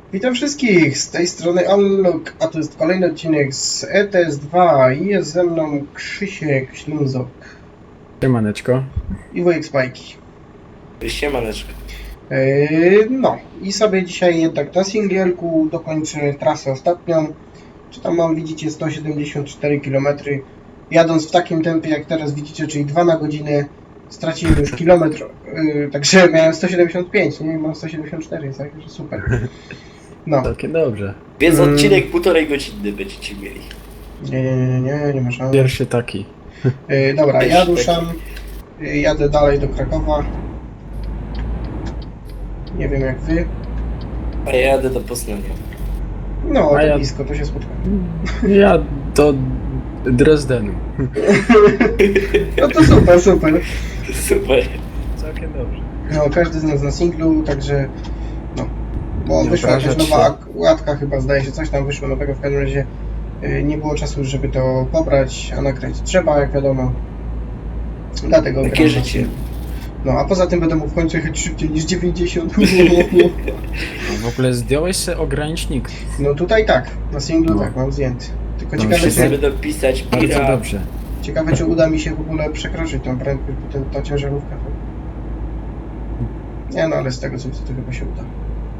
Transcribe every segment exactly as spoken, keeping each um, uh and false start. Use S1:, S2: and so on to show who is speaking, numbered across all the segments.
S1: Witam wszystkich, z tej strony Unlock, a to jest kolejny odcinek z E T S dwa i jest ze mną Krzysiek Ślązok
S2: Siemaneczko.
S1: i Wojek Spajki.
S3: Siemaneczko.
S1: Yy, no i sobie dzisiaj jednak na singielku dokończę trasę ostatnią. Czy tam mam, widzicie, sto siedemdziesiąt cztery kilometry. Jadąc w takim tempie jak teraz widzicie, czyli dwa na godzinę, straciłem już kilometr, yy, także miałem sto siedemdziesiąt pięć, nie? Mam sto siedemdziesiąt cztery, także super. No.
S2: Całkiem dobrze.
S3: Więc
S1: Mm.
S3: odcinek półtorej godziny będziecie mieli.
S1: Nie, nie, nie, nie, nie ma szans.
S2: Pierwszy taki.
S1: Yy, dobra, ja
S3: Pierwszy
S1: ruszam, yy, jadę dalej do Krakowa. Nie wiem jak wy.
S3: A ja jadę do Poznania.
S1: No,
S2: A
S1: to
S2: ja-
S1: blisko, to się spotkamy.
S2: Ja do Dresdenu.
S1: No to super, super.
S3: Super.
S2: Całkiem dobrze.
S1: No, każdy z nas na singlu, także no. Bo
S2: Nie
S1: wyszła jakaś
S2: obrażać
S1: nowa
S2: się.
S1: ak- łatka chyba, zdaje się, coś tam wyszło nowego, w każdym razie yy, nie było czasu, żeby to pobrać, a nagrać trzeba, jak wiadomo. Dlatego
S3: Takie
S1: gram na
S3: życie.
S1: singlu. No, a poza tym będę mógł w końcu jechać szybciej niż dziewięćdziesiąt.
S2: A w ogóle zdjąłeś sobie ogranicznik.
S1: No tutaj tak, na singlu
S2: No.
S1: tak, mam zdjęty. Tylko
S2: No,
S1: ciekawe,
S2: wszyscy
S1: czy,
S3: Wszyscy będą pisać
S2: Bardzo
S3: pira.
S2: dobrze.
S1: ciekawe, czy uda mi się w ogóle przekroczyć tą prędkość, bo ten, ta ciężarówka to... Nie no, ale z tego co widzę, to chyba się uda.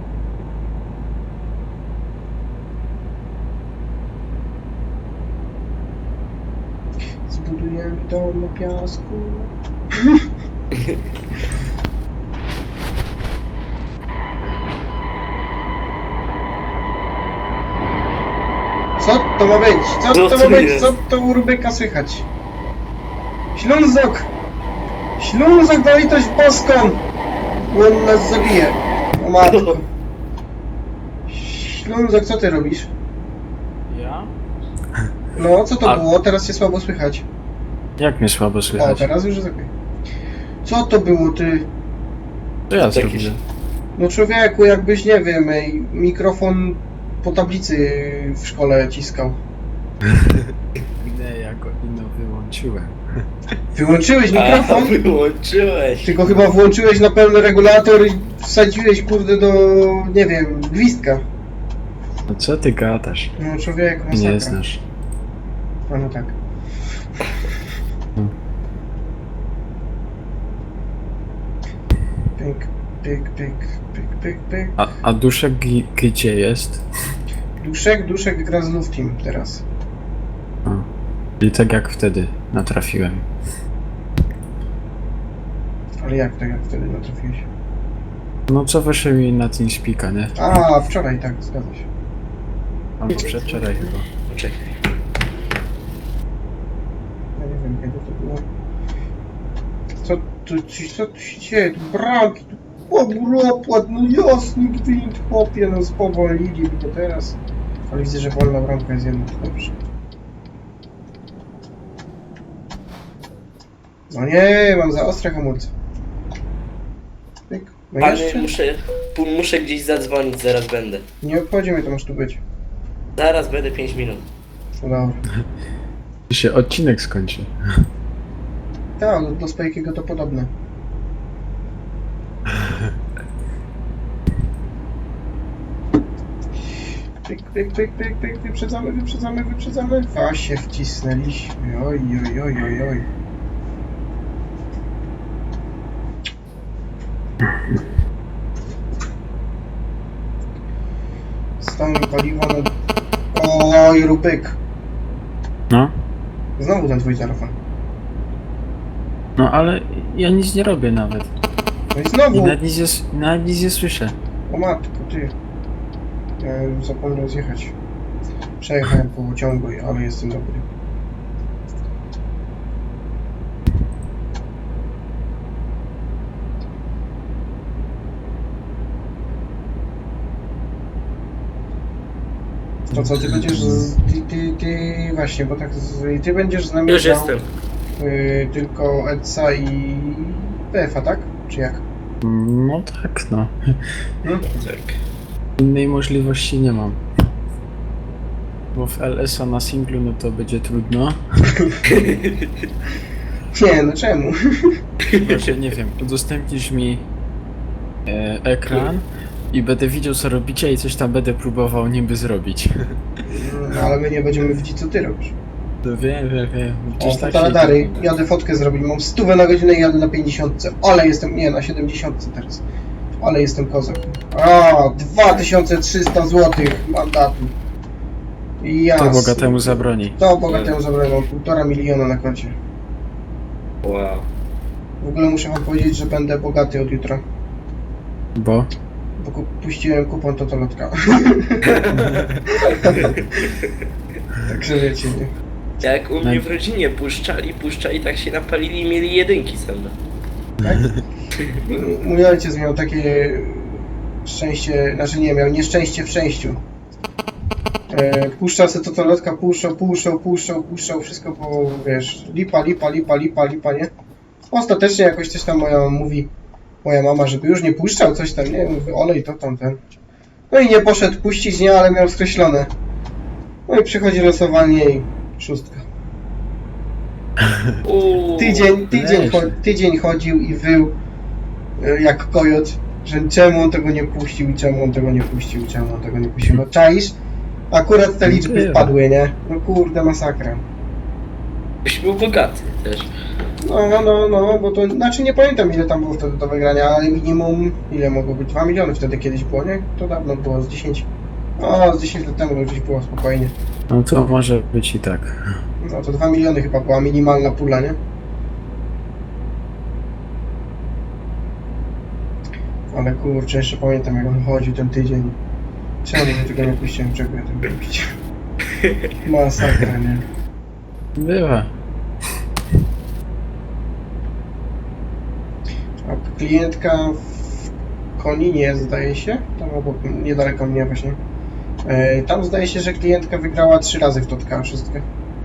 S1: Zbudujemy dom na piasku. Co to ma być? Co
S3: Co
S1: to
S3: to
S1: ma być?
S3: jest?
S1: Co to u Rubyka słychać? Ślązok! Ślązok na litość boską! Bo on nas zabije. O matko. Ślązok, co ty robisz?
S2: Ja?
S1: No, co to
S2: A-
S1: było? Teraz cię słabo słychać.
S2: Jak mnie słabo
S1: O,
S2: słychać?
S1: teraz już jest okej. Co to było, ty?
S2: To ja
S3: Takie
S2: zrobię.
S3: się-
S1: No człowieku, jakbyś, nie wiem, ej, mikrofon po tablicy w szkole ciskał.
S2: Nie, ja go ino wyłączyłem.
S1: Wyłączyłeś
S3: A,
S1: mikrofon?
S3: wyłączyłeś.
S1: Tylko chyba włączyłeś na pełny regulator i wsadziłeś, kurde, do, nie wiem, gwizdka.
S2: No co ty gadasz?
S1: No człowieku,
S2: Nie
S1: masakra.
S2: znasz.
S1: A no tak.
S2: Hmm.
S1: Pyk, pyk, pyk, pyk, pyk, pyk.
S2: A, a duszek gi- gdzie jest?
S1: Duszek, Duszek gra z Luftim teraz.
S2: A. I tak jak wtedy natrafiłem.
S1: Ale jak to, jak wtedy natrafiłeś?
S2: No co wyszło mi na TeamSpeaka, nie?
S1: A, wczoraj, tak, zgadza się.
S2: Albo przedwczoraj chyba.
S3: Czekaj.
S1: Ja nie wiem, kiedy to było. Co tu, ci- co tu się dzieje? Tu bramki, tu obropłat, no jasny gwint, chłopie, no spowolnili mi to teraz. Ale widzę, że wolna bramka jest jedna, dobrze. No nie, mam za ostre hamulce. Pyk. No
S3: Panie,
S1: jeszcze?
S3: muszę, pu- muszę gdzieś zadzwonić, zaraz będę.
S1: Nie obchodzi mnie, to masz tu być.
S3: Zaraz będę pięć minut.
S1: No dobra.
S2: I się odcinek skończy.
S1: Tak, do, do Spajkiego to podobne. Pyk, pyk, pyk, pyk, pyk, wyprzedzamy, wyprzedzamy, wyprzedzamy. A się wcisnęliśmy, oj, oj, oj, oj, oj. Stąd paliwo na... Oj, Rubek.
S2: No?
S1: Znowu ten twój telefon.
S2: No ale ja nic nie robię nawet.
S1: No i
S2: I
S1: znowu.
S2: nawet nic nie, s- nawet nic nie słyszę.
S1: O matko, ty. Ja już zapomniałem zjechać. Przejechałem po ciągu, ale jestem dobry. To co, ty będziesz z... Ty, ty, ty... Właśnie, bo tak... Z, ty będziesz z nami
S3: Już
S1: grał,
S3: jestem.
S1: y, tylko Edsa i P F a, tak? Czy jak?
S2: No tak, no.
S3: Tak.
S2: Innej możliwości nie mam. Bo w L S a na singlu no to będzie trudno.
S1: Nie, no czemu?
S2: Chyba, że nie wiem, udostępnisz mi e, ekran, I będę widział co robicie i coś tam będę próbował niby zrobić.
S1: No, ale my nie będziemy widzieć, co ty robisz.
S2: To wiem, wiem, wiem.
S1: O,
S2: Gdzieś tak
S1: fotoradary,
S2: się...
S1: jadę fotkę zrobić, mam stówę na godzinę i jadę na pięćdziesiątce, ale jestem, nie, na siedemdziesiątce teraz. Ale jestem kozak. A, dwa tysiące trzysta złotych mandatu. Jasne.
S2: To bogatemu zabroni.
S1: To bogatemu zabrałem, mam półtora miliona na koncie.
S3: Wow.
S1: W ogóle muszę wam powiedzieć, że będę bogaty od jutra.
S2: Bo?
S1: Bo ku- puściłem kupon Totolotka. Także wiecie, nie?
S3: Jak u mnie w rodzinie puszczali, puszczali, tak się napalili i mieli jedynki same.
S1: Tak? Mój ojciec miał takie szczęście, znaczy nie, miał nieszczęście w szczęściu. E, puszczał se Totolotka, puszczał, puszczał, puszczał, puszczał, wszystko było, wiesz, lipa, lipa, lipa, lipa, lipa, nie? Ostatecznie jakoś coś tam moja mówi, moja mama, żeby już nie puszczał, coś tam, nie? Mówię, olej to tamten. No i nie poszedł puścić, nie, ale miał skreślone. No i przychodzi losowanie i szóstka.
S3: Uuu.
S1: Tydzień, tydzień,
S2: Weź.
S1: cho- tydzień chodził i wył e, jak kojot, że czemu on tego nie puścił i czemu on tego nie puścił, czemu on tego nie puścił. No czaisz? Akurat te liczby
S2: Bywa.
S1: wpadły, nie? No kurde, masakra.
S3: Byś był bogaty też.
S1: No, no, no, no, bo to, znaczy nie pamiętam ile tam było wtedy do wygrania, ale minimum, ile mogło być? dwa miliony wtedy kiedyś było, nie? To dawno było, z dziesięć. O, z dziesięć lat temu to gdzieś było spokojnie.
S2: No to może być i tak.
S1: No to dwa miliony chyba była minimalna pula, nie? Ale kurczę, jeszcze pamiętam jak on chodził ten tydzień. Czemu ja tego nie puściłem? Czego ja tego nie puściłem? Masakra, nie?
S2: Bywa.
S1: A klientka w Koninie, zdaje się, tam obok, niedaleko mnie właśnie. E, tam zdaje się, że klientka wygrała trzy razy w Totka wszystkie.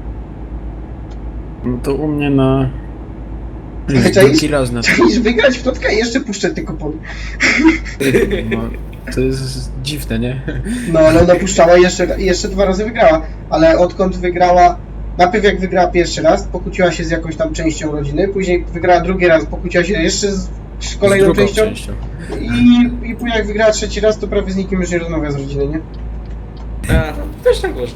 S2: No to u mnie na...
S1: Ale
S2: Drugi
S1: czaisz?
S2: raz na to.
S1: Chcieliś wygrać w Totka i jeszcze puszczę te kupony.
S2: No, to jest dziwne, nie?
S1: No ale ona puszczała i jeszcze, i jeszcze dwa razy wygrała. Ale odkąd wygrała, najpierw jak wygrała pierwszy raz, pokłóciła się z jakąś tam częścią rodziny, później wygrała drugi raz, pokłóciła się jeszcze z
S2: Z
S1: kolejną
S2: drugą
S1: częścią.
S2: częścią.
S1: I, I później jak wygrała trzeci raz, to prawie z nikim już nie rozmawia z rodziny, nie?
S3: A, też tak można.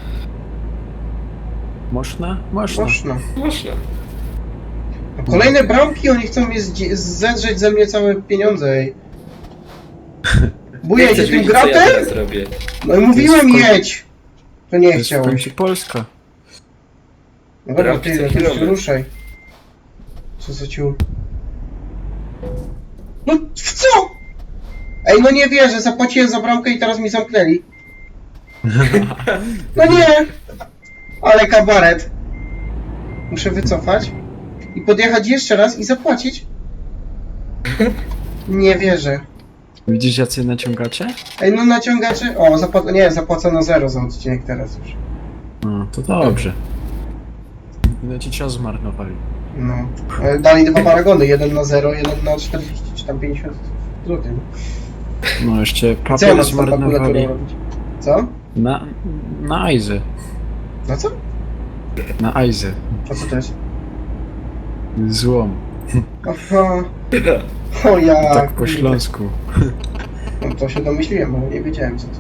S2: Można? Można.
S1: Można.
S3: Można.
S1: No, kolejne bramki, oni chcą mnie zdzie- zedrzeć ze mnie całe pieniądze, ej. Buję się
S3: Chcesz
S1: tym
S3: wiedzieć, co ja
S1: gratem?
S3: teraz robię?
S1: No i mówiłem
S2: To jest w końcu-
S1: jedź! To nie
S2: To jest w
S1: chciałeś.
S2: końcu Polska.
S1: No dobra,
S3: Bramki
S1: ty,
S3: co
S1: no to już
S3: kilometr.
S1: ruszaj. Co za ciul? No w co? Ej, no nie wierzę, zapłaciłem za bramkę i teraz mi zamknęli. No nie! Ale kabaret. Muszę wycofać i podjechać jeszcze raz i zapłacić. Nie wierzę.
S2: Widzisz jacy naciągacze?
S1: Ej, no naciągacze... O, zapła... nie, zapłacono zero za odcinek teraz już.
S2: No, to dobrze. No ci cios zmarnowali.
S1: No. E, Dali dwa paragony, jeden na zero, jeden na czterdzieści czy tam pięćdziesiąt złotych.
S2: No jeszcze
S1: Co ja
S2: papier
S1: mam z tą makulaturą
S2: zmarnowali.
S1: robić? Co?
S2: Na... na Aizy.
S1: No co?
S2: Na Aizy.
S1: A co to jest?
S2: Złom.
S1: Aha. O ja.
S2: Tak po
S1: kurde.
S2: śląsku.
S1: No to się domyśliłem, bo nie wiedziałem co to.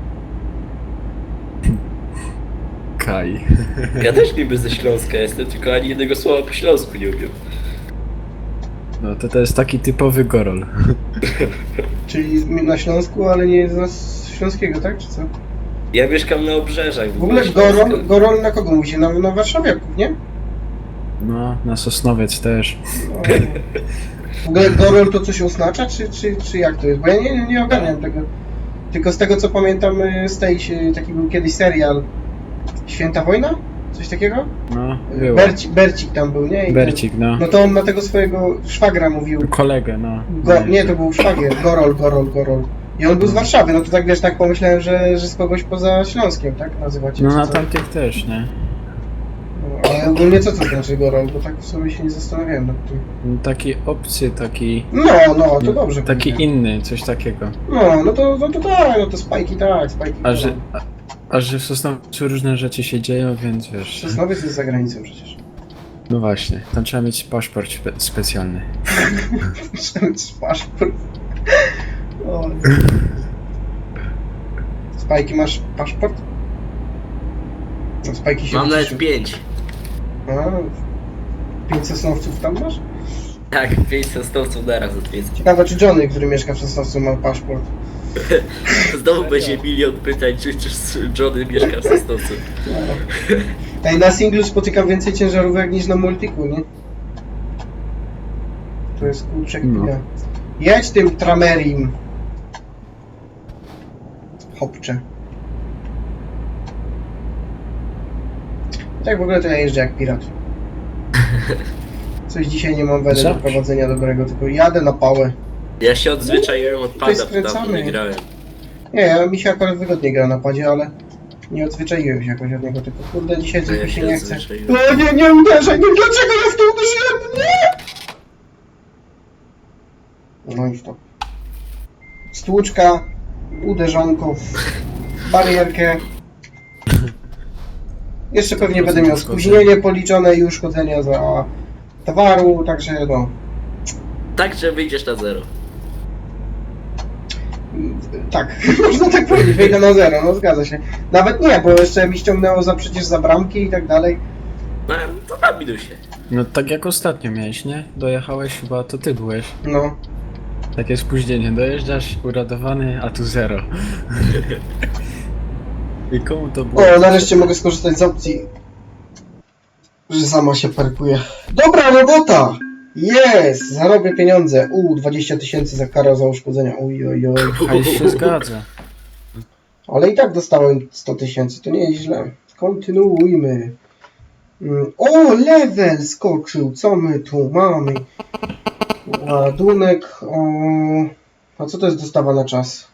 S2: Kaj.
S3: Ja też niby ze Śląska jestem, tylko ani jednego słowa po śląsku nie umiem.
S2: No to to jest taki typowy gorol.
S1: Czyli z- na Śląsku, ale nie z Śląskiego, tak? Czy co?
S3: Ja mieszkam na obrzeżach.
S1: W ogóle
S3: Śląska.
S1: Gorol, Gorol na kogo mówi się? Na, na warszawiaków, nie?
S2: No, na Sosnowiec też.
S1: No. W ogóle Gorol to coś oznacza, czy, czy, czy jak to jest? Bo ja nie, nie, nie ogarniam tego. Tylko z tego co pamiętam y, z tej, y, taki był kiedyś serial Święta Wojna? Coś takiego?
S2: No, było.
S1: Berci, Bercik tam był, nie? I
S2: Bercik, no.
S1: No to on na tego swojego szwagra mówił.
S2: Kolegę, no.
S1: Go, nie, to był szwagier, Gorol, Gorol, Gorol. I on był z Warszawy, no to tak wiesz, tak pomyślałem, że, że z kogoś poza Śląskiem, tak? Nazywacie?
S2: No
S1: czy
S2: na
S1: co?
S2: tamtych też, nie?
S1: No, ale ogólnie co to znaczy Gorol? Bo tak w sobie się nie zastanawiałem nad tym.
S2: No, taki obcy, taki...
S1: No, no, to dobrze.
S2: Taki
S1: powiedziałem.
S2: inny, coś takiego.
S1: No, no to, no to tak, no to spajki tak, spajki
S2: A że,
S1: tak.
S2: a, a że w Sosnowcu różne rzeczy się dzieją, więc wiesz...
S1: Sosnowiec jest za granicą przecież.
S2: No właśnie, tam trzeba mieć paszport spe specjalny.
S1: Muszę mieć paszport. O, Spajki, masz paszport? No, Spajki się
S3: Mam nawet
S1: ucieszył.
S3: pięć.
S1: A, pięć sosnowców tam masz?
S3: Tak, pięć sosnowców naraz odwiedzę.
S1: Ciekawe, czy Johnny, który mieszka w Sosnowcu, ma paszport.
S3: Znowu będzie milion pytań, czy, czy Johnny mieszka w Sosnowcu.
S1: Ej, na singlu spotykam więcej ciężarówek niż na multiku, nie? To jest kurczę
S2: No.
S1: chwila. Jedź tym tramerim. Hopcze. Tak w ogóle to ja jeżdżę jak pirat. Coś dzisiaj nie mam wedy do
S2: Zawsze.
S1: prowadzenia dobrego, tylko jadę na pałę.
S3: Ja się odzwyczaiłem od
S1: Tutaj
S3: pada, bo dawno
S1: skręcamy.
S3: nie grałem.
S1: Nie, ja, mi się akurat wygodnie gra na padzie, ale nie odzwyczaiłem się jakoś od niego, tylko kurde dzisiaj coś
S3: Ja
S1: mi się
S3: się
S1: nie chce.
S3: odzwyczaiłem.
S1: O nie, nie uderzaj, no dlaczego ja w to uderzyłem? Nie! No i stop. Stłuczka, uderzonko w barierkę. Jeszcze pewnie będę miał spóźnienie policzone i uszkodzenia za towaru, także no.
S3: Tak, że wyjdziesz na zero.
S1: Tak, można tak powiedzieć, wejdę na zero, no zgadza się. Nawet nie, bo jeszcze mi ściągnęło za przecież za bramki i tak dalej.
S3: No to na minusie.
S2: No tak jak ostatnio miałeś, nie? Dojechałeś chyba, to ty byłeś.
S1: No.
S2: Takie spóźnienie, dojeżdżasz uradowany, a tu zero. I komu to było?
S1: O, nareszcie mogę skorzystać z opcji, że sama się parkuje. Dobra robota! Jest! Zarobię pieniądze. U, dwadzieścia tysięcy za karę za uszkodzenia. Uj, oj, oj.
S2: Hajs się zgadza.
S1: Ale i tak dostałem sto tysięcy, to nie jest źle. Kontynuujmy. Mm, O, level skoczył. Co my tu mamy? Ładunek. O... A co to jest dostawa na czas?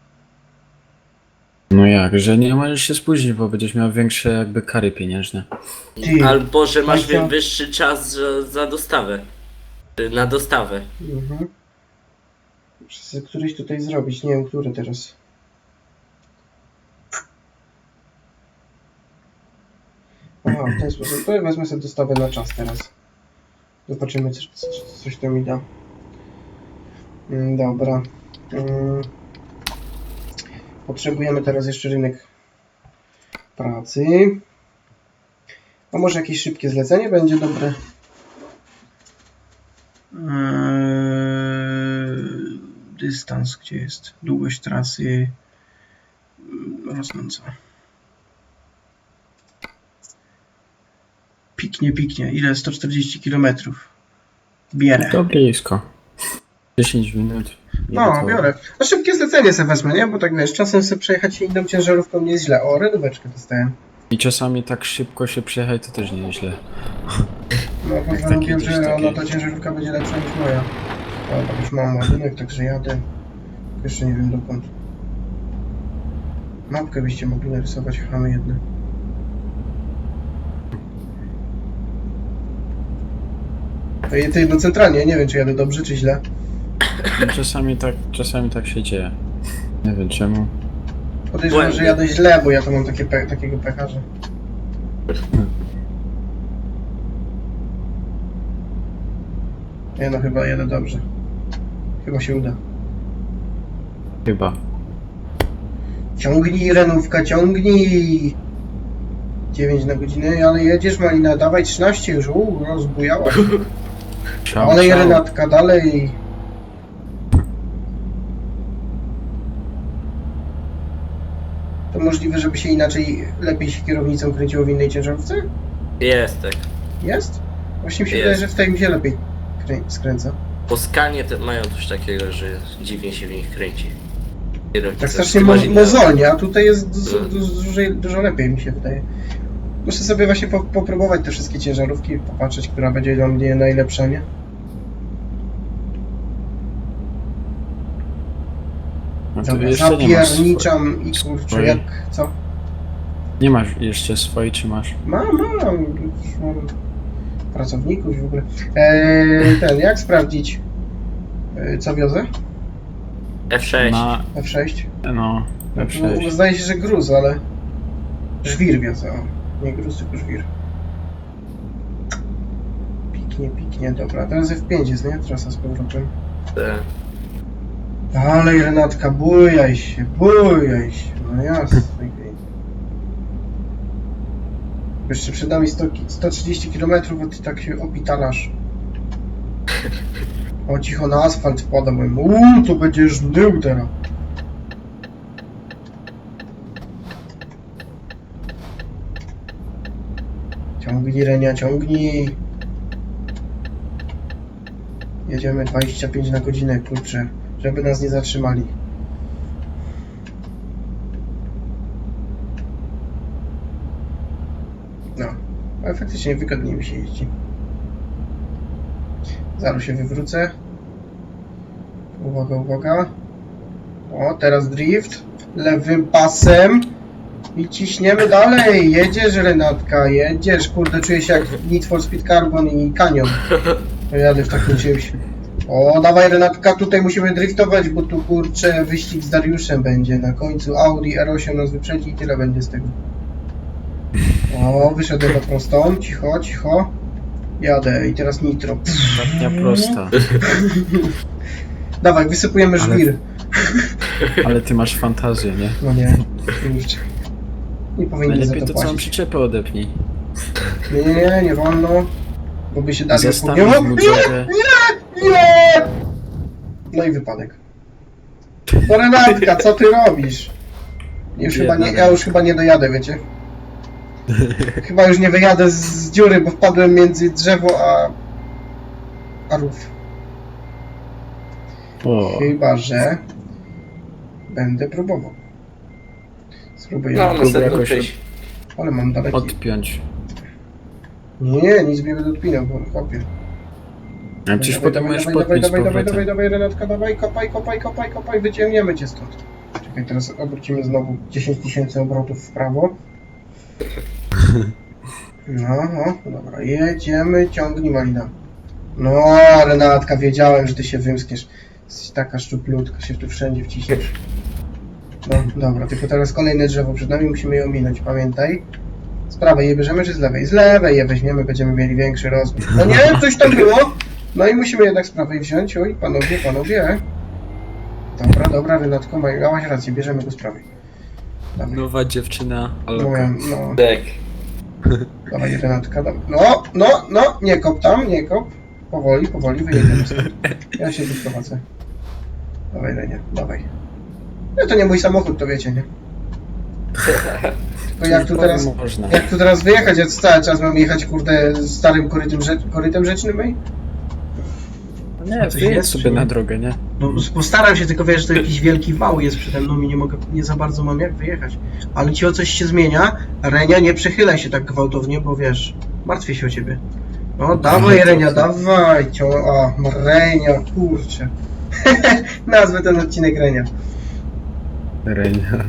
S2: No jak, że nie możesz się spóźnić, bo będziesz miał większe jakby kary pieniężne.
S1: Ty.
S3: Albo, że masz
S1: Państwo-
S3: wyższy czas za, za dostawę. Y, Na dostawę.
S1: Mhm. Muszę sobie któryś tutaj zrobić, nie wiem, który teraz. Aha, w ten sposób. To ja wezmę sobie dostawę na czas teraz. Zobaczymy, coś, coś to mi da. Mm, Dobra. Mm. Potrzebujemy teraz jeszcze rynek pracy. A może jakieś szybkie zlecenie będzie dobre? Eee, dystans, gdzie jest? Długość trasy mm, rosnąca. Piknie, piknie. Ile? sto czterdzieści kilometrów. Bierę.
S2: To blisko. dziesięć minut. i
S1: No,
S2: gotowe.
S1: biorę. No szybkie zlecenie sobie wezmę, nie? Bo tak wiesz, czasem sobie przejechać się inną ciężarówką nie jest źle. O, redóweczkę dostałem.
S2: I czasami tak szybko się przejechać, to też nieźle.
S1: No,
S2: Jak
S1: postanowiłem,
S2: taki
S1: że
S2: gdzieś
S1: ona,
S2: taki-
S1: ta ciężarówka będzie lepsza niż moja. O, tak już mam ładunek, także jadę. Jeszcze nie wiem dokąd. Mapkę byście mogli narysować, chamy jedne. To je- to jedno centralnie, nie wiem czy jadę dobrze czy źle.
S2: No, czasami tak, czasami tak się dzieje. Nie wiem czemu.
S1: Podejrzewam, że jadę źle, bo ja to mam takie pe takiego pecha, że... Nie no, chyba jadę dobrze. Chyba się uda.
S2: Chyba.
S1: Ciągnij, Renówka, ciągnij! dziewięć na godzinę, ale jedziesz, Malina, dawaj trzynaście już, uuu, rozbujała.
S2: Ciao,
S1: Dalej,
S2: ciao.
S1: Renatka, dalej! To możliwe, żeby się inaczej, lepiej się kierownicą kręciło w innej ciężarówce?
S3: Jest tak.
S1: Jest? Właśnie mi się
S3: Jest.
S1: wydaje, że w tej mi się lepiej krę skręca.
S3: Po skanie te mają coś takiego, że dziwnie się w nich kręci. Kierownica
S1: Tak strasznie
S3: z
S1: mo
S3: inna-
S1: mozolnie, a tutaj jest dużo,
S3: Mm.
S1: dużo, dużo, dużo lepiej mi się wydaje. Muszę sobie właśnie po, popróbować te wszystkie ciężarówki, popatrzeć, która będzie dla mnie najlepsza, nie?
S2: No to
S1: Dobra,
S2: jeszcze nie masz,
S1: zapierniczam i kurczę,
S2: swojej.
S1: jak... co?
S2: nie masz jeszcze swojej, czy masz?
S1: Mam, mam, już mam pracowników w ogóle. Eee, ten, jak sprawdzić, e, co wiozę?
S3: F sześć.
S2: Na,
S1: F sześć?
S2: no, F
S1: No,
S2: sześć.
S1: zdaje się, że gruz, ale... Żwir wiozę, o. Nie gruz, tylko żwir. Piknie, piknie, dobra. Teraz F pięć jest, nie? Trasa z powrotem.
S3: Te-
S1: Dalej Renatka, bujaj się, bujaj się. No jasne. Jeszcze przed nami sto, sto trzydzieści kilometrów, a ty tak się opitalasz. O, cicho na asfalt wpada, mówię, uuu, to będziesz dył teraz. Ciągnij, Renia, ciągnij. Jedziemy dwadzieścia pięć na godzinę, kurczę, żeby nas nie zatrzymali. No, ale faktycznie wygodniej mi się jeździ. Zaraz się wywrócę. Uwaga, uwaga. O, teraz drift. Lewym pasem. I ciśniemy dalej. Jedziesz, Renatka, jedziesz. Kurde, czuję się jak Need for Speed Carbon i Canyon. To jadę w takim czymś. O, dawaj, Renatka, tutaj musimy driftować, bo tu, kurczę, wyścig z Dariuszem będzie. Na końcu Audi R osiem nas wyprzedzi i tyle będzie z tego. O, wyszedłem na prostą. Cicho, cicho. Jadę i teraz nitro.
S2: Ostatnia prosta.
S1: Dawaj, wysypujemy
S2: Ale-
S1: żwir.
S2: Ale ty masz fantazję, nie?
S1: No nie, kurczę. Nie powinni za
S2: Najlepiej
S1: to
S2: to całą
S1: płacić.
S2: przyczepę odepnij.
S1: Nie, nie, nie, nie wolno. Bo by się Dariusz
S2: Zestawić
S1: podjął.
S2: mu
S1: Nie,
S2: drogę.
S1: nie, nie! No i wypadek. No Renatka, co ty robisz? Już chyba nie, ja już chyba nie dojadę, wiecie? Chyba już nie wyjadę z, z dziury, bo wpadłem między drzewo a... a rów.
S2: O,
S1: Chyba, że... będę próbował. Spróbuję.
S3: No,
S2: Próbuj
S3: następną
S2: jakoś
S3: część.
S1: Ale mam daleki.
S2: odpiąć.
S1: Nie, nic mnie będę odpinał, bo kopię.
S2: A przecież potem możesz
S1: dawaj, dawaj,
S2: podpiąć z
S1: dawaj, dawaj,
S2: powrotem.
S1: dawaj, dawaj, Renatka, dawaj, kopaj, kopaj, kopaj, kopaj, wyciągniemy cię stąd. Czekaj, teraz obrócimy znowu dziesięć tysięcy obrotów w prawo. No, no, dobra, jedziemy, ciągnij Malina. No, Renatka, wiedziałem, że ty się wymskniesz. Jesteś taka szczuplutka, się tu wszędzie wciśniesz. No, dobra, tylko teraz kolejne drzewo przed nami, musimy je ominąć, pamiętaj. Z prawej je bierzemy, czy z lewej? Z lewej je weźmiemy, będziemy mieli większy rozmiar. No nie, coś tam było. No i musimy jednak z prawej wziąć. Oj, panowie, panowie. Dobra, dobra, Renatko, miałaś rację, bierzemy go z prawej. Dawaj.
S2: Nowa dziewczyna,
S1: No,
S2: aloka.
S1: no,
S3: Tak.
S1: dawaj, Renatka, dawaj. No, no, no, nie kop tam, nie kop. Powoli, powoli, wyjedziemy stąd. Ja się tu prowadzę. Dawaj, Renia, dawaj. No to nie mój samochód, to wiecie, nie? Tylko jak tu teraz...
S2: Można.
S1: Jak tu teraz wyjechać, ja cały czas mam jechać, kurde, starym korytem, rze korytem rzecznym, ej?
S2: Nie,
S1: Coś
S2: wyjedź
S1: jest,
S2: sobie
S1: czy nie?
S2: na drogę, nie?
S1: No, postaram się, tylko wiesz, że to jakiś wielki wał jest przede mną i nie mogę, nie za bardzo mam jak wyjechać. Ale ci o coś się zmienia, Renia, nie przechylaj się tak gwałtownie, bo wiesz, martwię się o ciebie. No, dawaj, Renia, dawaj, cio... O, Renia, kurczę. Nazwę ten odcinek Renia.
S2: Renia.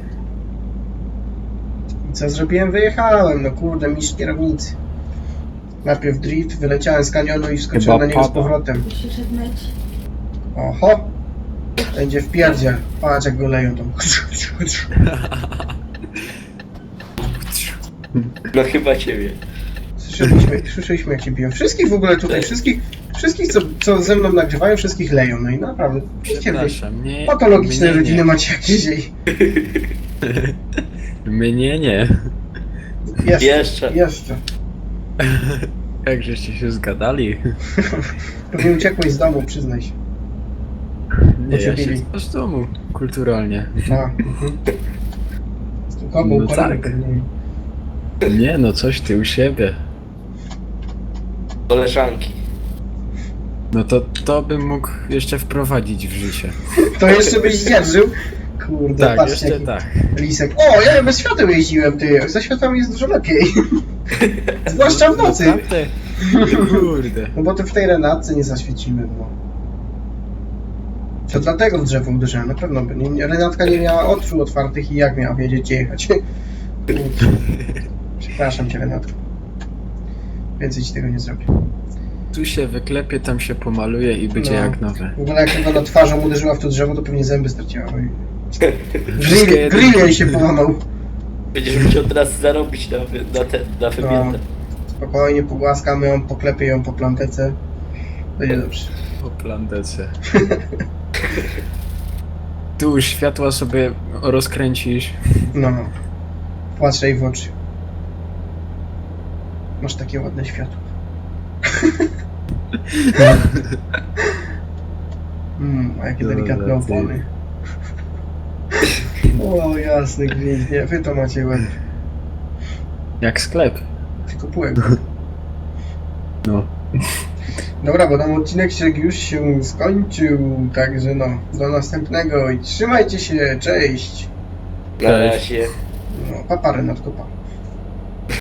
S1: I co zrobiłem? Wyjechałem, no kurde, mistrz kierownicy. Najpierw drift, wyleciałem z kanionu i wskoczyłem
S2: Chyba
S1: na niego z
S2: pada.
S1: powrotem.
S4: Musisz myć.
S1: Oho! Będzie w pierdziel. Patrz jak go leją tam.
S3: No chyba ciebie.
S1: Słyszeliśmy, słyszeliśmy jak się biją. Wszystkich w ogóle tutaj, wszystkich, wszystkich co, co ze mną nagrywają, wszystkich leją. No i naprawdę, widzicie wy,
S2: Przepraszam, nie.
S1: patologiczne
S2: mnie
S1: rodziny
S2: nie.
S1: macie jak dzisiaj.
S2: Mnie nie.
S1: Jeszcze,
S3: Jeszcze.
S1: jeszcze.
S2: Jak żeście się zgadali?
S1: Pewnie uciekłeś z domu, przyznaj się.
S2: Nie, ja się
S1: Podzielili.
S2: z domu, kulturalnie.
S1: A, mhm. Z tym komu
S2: No
S1: układamy
S2: tak.
S1: pewnie.
S2: Nie no, coś ty u siebie.
S3: Koleżanki.
S2: No to, to bym mógł jeszcze wprowadzić w życie.
S1: To jeszcze byś zdzierżył? Kurde,
S2: Tak,
S1: patrzcie
S2: jeszcze
S1: jaki
S2: tak.
S1: lisek. O, ja bez świateł jeździłem, ty. Ze światłami jest dużo lepiej. Zwłaszcza w nocy.
S2: No, tamte- Kurde.
S1: No bo to w tej Renatce nie zaświecimy, no. To dlatego w drzewo uderzyłem, na pewno by. Nie, Renatka nie miała oczu otwartych i jak miała wiedzieć, gdzie jechać. Przepraszam cię, Renatko. Więcej ci tego nie zrobię.
S2: Tu się wyklepie, tam się pomaluje i będzie
S1: No.
S2: jak nowe.
S1: W ogóle jak tylko na twarzą uderzyła w to drzewo, to pewnie zęby straciła. Oj.
S2: Wszystkie
S1: Grill,
S2: jedynki.
S1: grill jej się połamał.
S3: Będziesz musiał teraz zarobić na, wy, na, te, na wymianę.
S1: Spokojnie, pogłaskamy ją, poklepię ją po plantece. Będzie dobrze.
S2: Po plandece. tyłu światła sobie rozkręcisz.
S1: No. Patrzę jej w oczy. Masz takie ładne światło. Mm, a jakie
S2: Dobra,
S1: delikatne
S2: ty.
S1: opony. O, jasny gwint, nie, wy to macie łeb.
S2: Jak sklep.
S1: Tylko półek.
S2: No.
S1: Dobra, bo tam odcinek już się skończył, także no, do następnego i trzymajcie się, cześć!
S3: Na razie.
S1: No, papa Renatko, pa.